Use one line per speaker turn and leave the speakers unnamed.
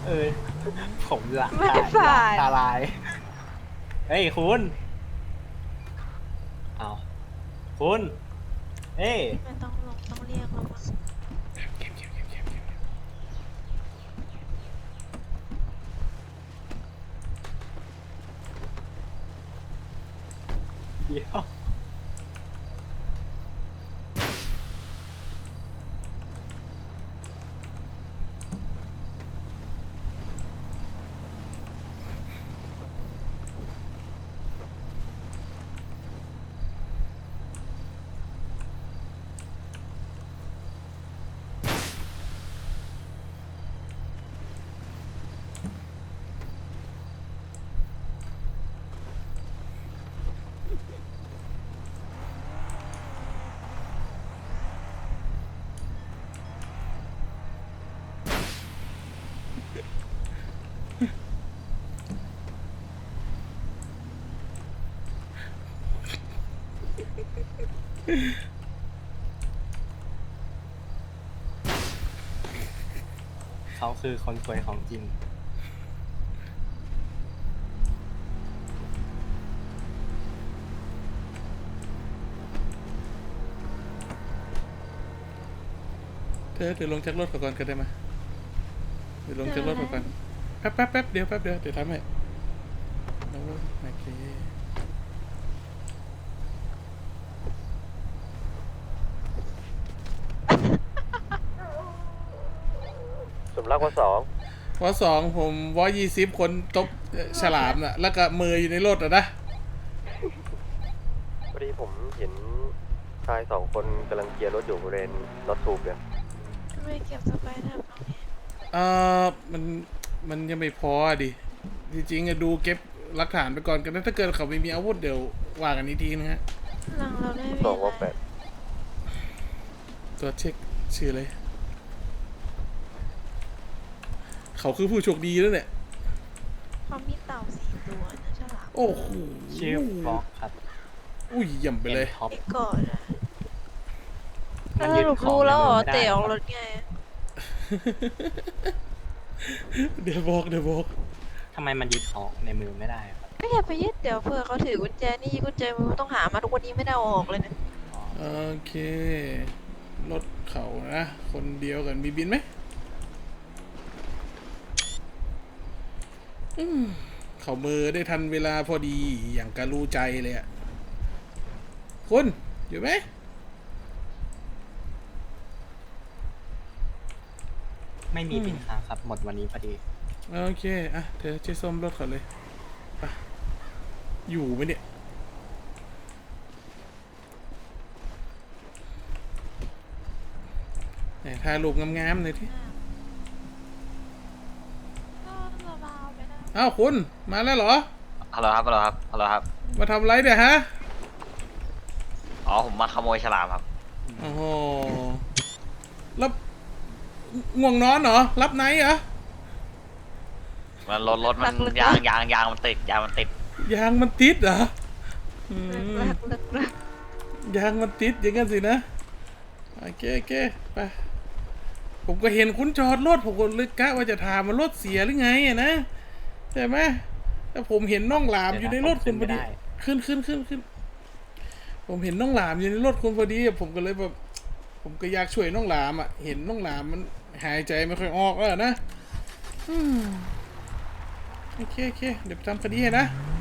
เออผมละ
ไม่ผ่าน
ตาลายเฮ้ยคุณเอาคุณเฮ้ย
มันต้องลงต้องเรียกแล้วมั้ง
เดี๋ยวเขาคือคนสวยของจริง
เดี๋ยวลงจากรถก่อนก็ได้ไหมเดี๋ยวลงจากรถก่อนแป๊บเดี๋ยวเดี๋ยวทำให้โอเค
สมรักว่า2
ผม120คนตบฉลามน่ะแล้วก็มืออยู่ในรถอ่ะนะ
พอดีผมเห็นชาย2 คนกำลังเกียร์รถอยู่บริเวณรถทูบเนี่ย
ไม่เก็บสไปเดอร์ตรงนี้
เออมันยังไม่พอดิจริงๆอะดูเก็บหลักฐานไปก่อนกันนะถ้าเกิดเขาไม่มีอาวุธเดี๋ยวว่ากันอีกทีนะฮะ
หลังเราได้
2ว่า
ตัวเช็คชื่ออะไรเขาคือผู้โชคดีแล้วเนี่ย
เขามีเต่า4 ตัวนะฉลาม
โอ้โห
ชื่อบล็อกครับ
อุ้ยย่ำไปเลย
ท็อป
ไอ้ก่อนอะ
มั
ถ้าน ส
ยึด
รุป
ของ
รู้แล้วเหรอ
ในมือไม่ได้
เตะออกรถไง
เดี๋ยวบอก
ทำไมมันยึดของในมือไม่ได้ครับ
ไม่อย่าไปยึดเดี๋ยวเผื่อเขาถือกุญแจนี่กุญแจมือต้องหามาทุกวันนี้ไม่ได้เอาออกเลยนะ
อ๋อ
โอเครถเขานะคนเดียวกันมีบินไหมเขามือได้ทันเวลาพอดีอย่างกะรู้ใจเลยอะคุณอยู่ไหม
ไม่มีปินค้างครับ หมดวันนี้พอดี
โอเคอ่ะเธอช่วยส้มรถเขาเลยไปอยู่ไหมเนี่ยไหนถ่ายรูปงามๆหน่อยที่
ก็เบาๆไปนะ
อ้าวคุณมาแล้วเหรอ
ฮัลโหลครับฮัลโหลครับฮัลโหลครับ
มาทำไรเนี่ยฮะ
อ๋อ ผมมาขโมยฉลามครับ
โอ้โหแล้วง่วงนอนเหรอรับไนท์เหรอ
มันรถมันยางมันติดยางมันติด
ยางมันติดเหรออืม
รัก
ยางมันติดอย่างงั้นสินะโอเคไปผมก็เห็นคุณจอดรถผมก็เลยกะว่าจะถามว่ารถเสียหรือไงอะนะใช่ไหมแต่ผมเห็นน้องหลามอยู่ในรถคุณพอดีขึ้นผมเห็นน้องหลามอยู่ในรถคุณพอดีผมก็เลยแบบผมก็อยากช่วยน้องหลามอ่ะเห็นน้องหลามมันหายใจไม่ค่อยออกแล้วนะโอเคเดี๋ยวไปทำคดีให้นะ